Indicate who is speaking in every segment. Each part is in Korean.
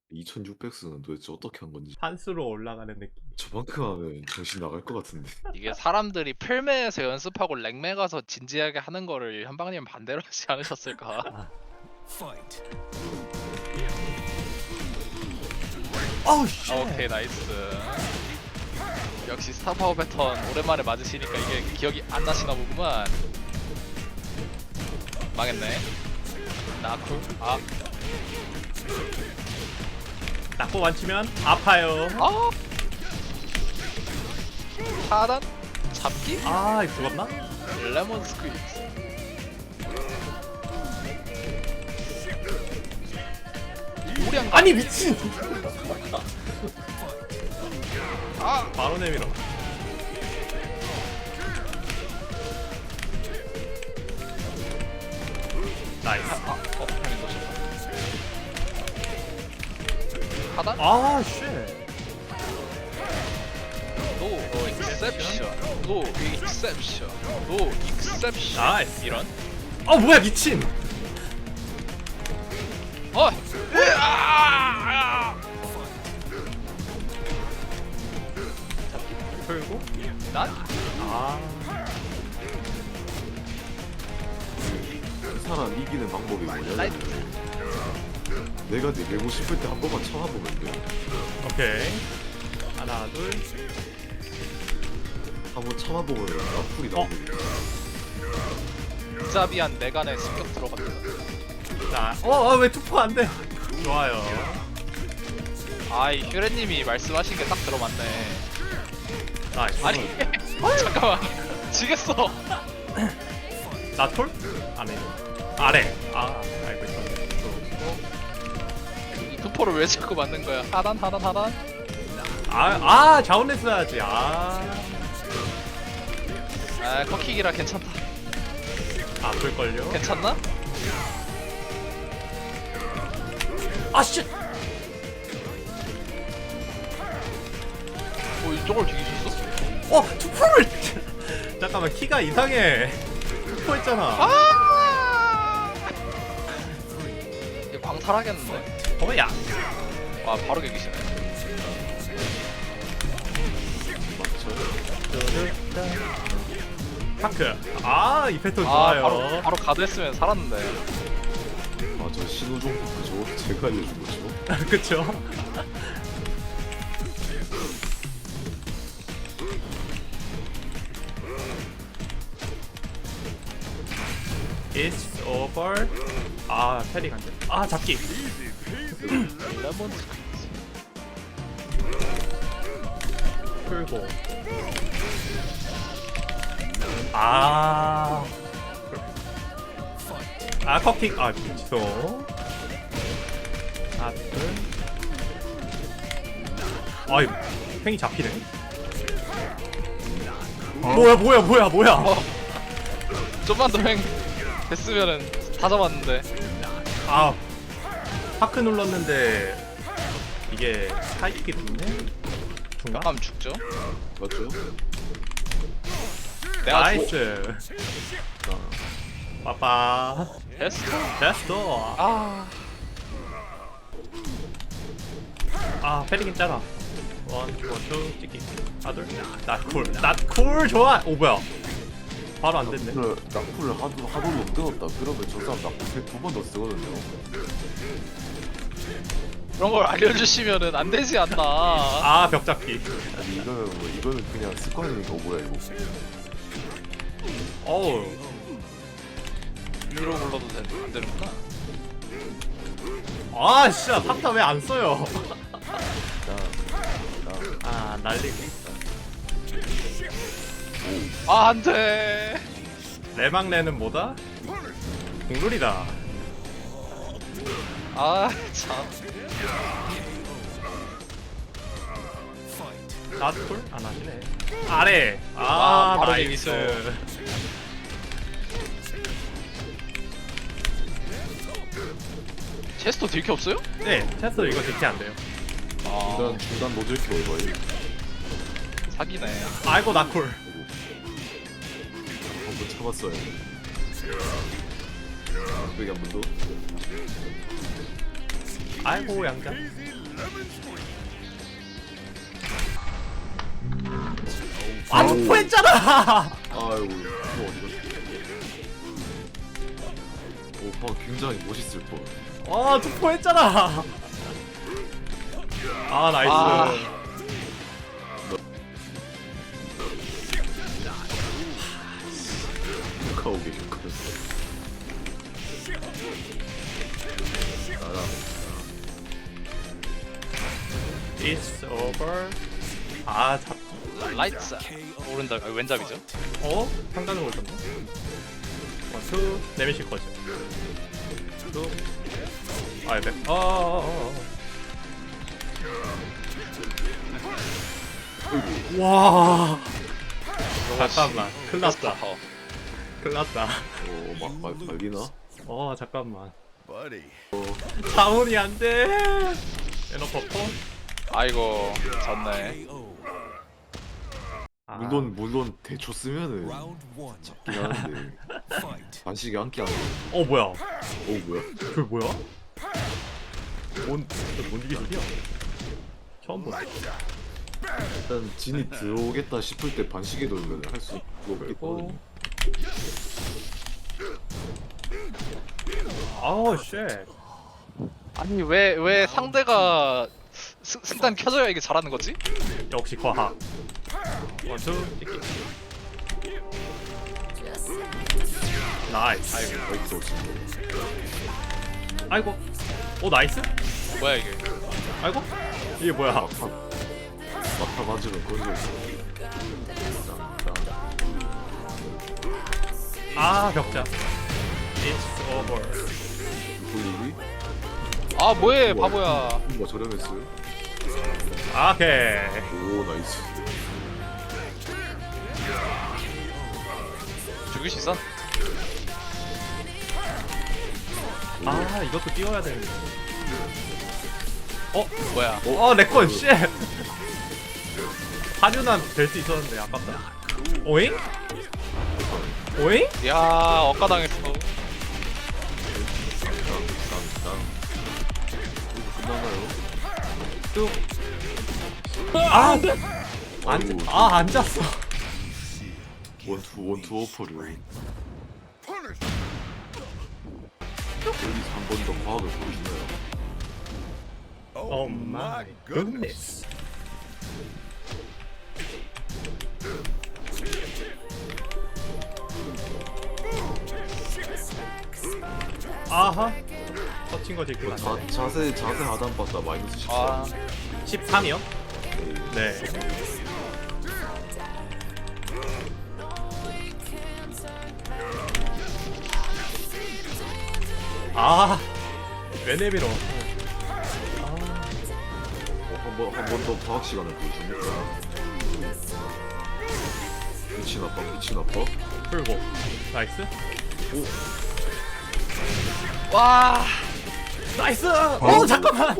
Speaker 1: 2600수는 도대체 어떻게 한 건지.
Speaker 2: 판수로 올라가는 느낌.
Speaker 1: 저만큼 하면 정신 나갈 것 같은데.
Speaker 3: 이게 사람들이 필매에서 연습하고 랭매 가서 진지하게 하는 거를 현방님 반대로 하지 않으셨을까?
Speaker 2: 어우 씨.
Speaker 3: 오케이 나이스. 역시 스타파워 패턴 오랜만에 맞으시니까 이게 기억이 안 나시나 보구만. 망했네. 나쿨. 아,
Speaker 2: 낙고 완치면 아파요.
Speaker 3: 아. 하단 잡기?
Speaker 2: 아 이거 죽었나?
Speaker 3: 레몬 스퀴즈. 우량.
Speaker 2: 아니 미친.
Speaker 3: 아,
Speaker 2: 바로 내밀어. 나이스.
Speaker 3: 타이밍 놓쳤다. 하단?
Speaker 2: 아 쉣.
Speaker 3: 노 익셉션. 노 익셉션. 노 익셉션.
Speaker 2: 나이스.
Speaker 3: 이런.
Speaker 2: 어 뭐야 미친.
Speaker 3: 으아!
Speaker 2: 풀고.
Speaker 3: 난?
Speaker 2: 아.
Speaker 1: 그 사람 이기는 방법이 뭐냐면
Speaker 3: 나이스.
Speaker 1: 내가 내고 싶을 때 한 번만 참아보면 돼.
Speaker 2: 오케이. 하나 둘.
Speaker 1: 한번 참아보면 나풀이 나오거든.
Speaker 3: 무자비한 내간에 습격 들어갑니다.
Speaker 2: 자. 왜 투포 안 돼? 좋아요.
Speaker 3: 아이 휴레님이 말씀하신 게 딱 들어맞네.
Speaker 2: 나이스.
Speaker 3: 아니 잠깐만 지겠어.
Speaker 2: 나톨? 안에. 아래. 아 알고 있었네.
Speaker 3: 이 투포를 왜 자꾸 맞는 거야? 하단.
Speaker 2: 자원레 써야지.
Speaker 3: 아 커킥이라 괜찮다.
Speaker 2: 아플걸요?
Speaker 3: 괜찮나?
Speaker 2: 아 씨.
Speaker 3: 이쪽을 죽이셨어?
Speaker 2: 투포를. 잠깐만 키가 이상해. 투포했잖아.
Speaker 3: 이거 광탈하겠는데?
Speaker 2: 야.
Speaker 3: 와 바로 개기시네.
Speaker 2: 파크. 이 패턴
Speaker 3: 아
Speaker 2: 좋아요.
Speaker 3: 바로 가드 했으면 살았는데.
Speaker 1: 맞아, 신호종 그죠? 제가 알려준 거죠.
Speaker 2: 그쵸? It's over. 패링 안 돼. 잡기.
Speaker 3: 레몬
Speaker 2: 풀고. 커킹. 미쳐. 이거 팽이 잡히네. 뭐야.
Speaker 3: 좀만 더 행 됐으면은 다 잡았는데.
Speaker 2: 파크 눌렀는데 이게 사이킥이 됐네? 중간?
Speaker 3: 하면 죽죠.
Speaker 1: 맞죠?
Speaker 3: 내가
Speaker 2: 나이스. 빠빠. 됐어. 패링이 짜라. 원투 찍기. 둘. 낫쿨 좋아. 뭐야? 바로 안 됐네.
Speaker 1: 낙풀을 하도 못 끊었다. 그러면 저 사람 낙풀 2번 더 쓰거든요.
Speaker 3: 그런 걸 알려주시면은 안 되지 않나.
Speaker 2: 벽 잡기.
Speaker 1: 아니 이거는 그냥 습관이니까. 뭐야 이거?
Speaker 2: 어우.
Speaker 3: 위로 불러도 안 되는구나.
Speaker 2: 진짜 탑타 왜 안 써요? 날리고.
Speaker 3: 안돼.
Speaker 2: 레망레는 뭐다? 공룰이다.
Speaker 3: 참.
Speaker 2: 나툴? 안 하시네. 아래.
Speaker 3: 바로
Speaker 2: 나이스.
Speaker 3: 재밌어. 체스터 딜게 없어요?
Speaker 2: 네, 체스 이거 대체 안 돼요.
Speaker 1: 중단 노즐 킬 거의.
Speaker 3: 사기네.
Speaker 2: 아이고 나쿨.
Speaker 1: 한번 참았어요. 여기 한 번 더.
Speaker 2: 아이고 양자. 아 투포했잖아.
Speaker 1: 아이고 이거 어디가? 오, 굉장히 멋있을 뻔.
Speaker 2: 아 투포했잖아. 아 나이스.
Speaker 3: 아.
Speaker 1: 가오게 좋거든.
Speaker 2: It's over. 아 잡.
Speaker 3: 라이트 오른다. 아, 왼잡이죠?
Speaker 2: 어? 상단으로 올던데? 원투 네미시 커즈. 투. 아 네. 와. 잠깐만. 큰일 났다.
Speaker 3: 스타파워.
Speaker 2: 큰일 났다.
Speaker 1: 막 말리나?
Speaker 2: 잠깐만.
Speaker 4: Buddy.
Speaker 2: 자원이 안 돼. 에너 퍼포?
Speaker 3: 아이고 졌네.
Speaker 2: 아,
Speaker 1: 물론 대초 쓰면은
Speaker 4: Round one.
Speaker 1: 잡긴 하는데
Speaker 4: Fight.
Speaker 1: 반식이 안기 안 돼.
Speaker 2: 뭐야?
Speaker 1: 오 뭐야?
Speaker 2: 그 뭐야? 뭔 기술이야? 처음 보네.
Speaker 1: 일단 진이 들어오겠다 싶을 때 반식에 돌면 할 수 없겠거든.
Speaker 2: 아우 쉣.
Speaker 3: 아니 왜 상대가 승단 켜져야 이게 잘하는 거지?
Speaker 2: 역시 과학. 원투 찍기. 나이스.
Speaker 1: 아이고
Speaker 2: 아이고. 오 나이스.
Speaker 3: 뭐야 이게?
Speaker 2: 아이고. 이게 뭐야?
Speaker 1: 막타 맞으면 건져 있어.
Speaker 2: 아 벽자. It's over.
Speaker 1: 보이니?
Speaker 3: 아 뭐해 바보야.
Speaker 1: 뭐 저렴했어요?
Speaker 2: 오케이.
Speaker 1: 오 나이스.
Speaker 3: 죽일 수 있어?
Speaker 2: 아 이것도 띄워야 되는데.
Speaker 3: 뭐야?
Speaker 2: 내꺼 쉣. 하류난 될 수 있었는데 아깝다. 오잉? 오잉?
Speaker 3: 야 억가당했어.
Speaker 1: 끝나나요?
Speaker 2: 뚝.
Speaker 1: 아이고,
Speaker 2: 앉았어.
Speaker 1: 원투 오퍼를 여기서 한 번 더 과학을 보여주나요?
Speaker 2: Oh my goodness. 아하. 터친 거 지금
Speaker 1: 자세 하단 봤다 마이너스 14.
Speaker 3: 아
Speaker 2: 13이요? 네. 왜 내밀어?
Speaker 1: 한 번 더 과학 시간을 보여줍니까? 미친 아빠.
Speaker 2: 풀고. 나이스.
Speaker 3: 와.
Speaker 2: 나이스! 잠깐만!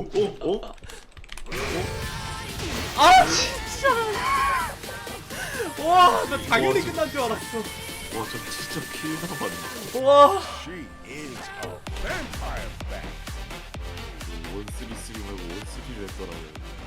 Speaker 2: 아, 진짜! 와, 나 당연히 끝난 줄 알았어.
Speaker 1: 와, 저 진짜 킬 남았네.
Speaker 2: 와.
Speaker 4: She is a vampire bat.
Speaker 1: 1-3-3 말고 1-3를 했더라고요.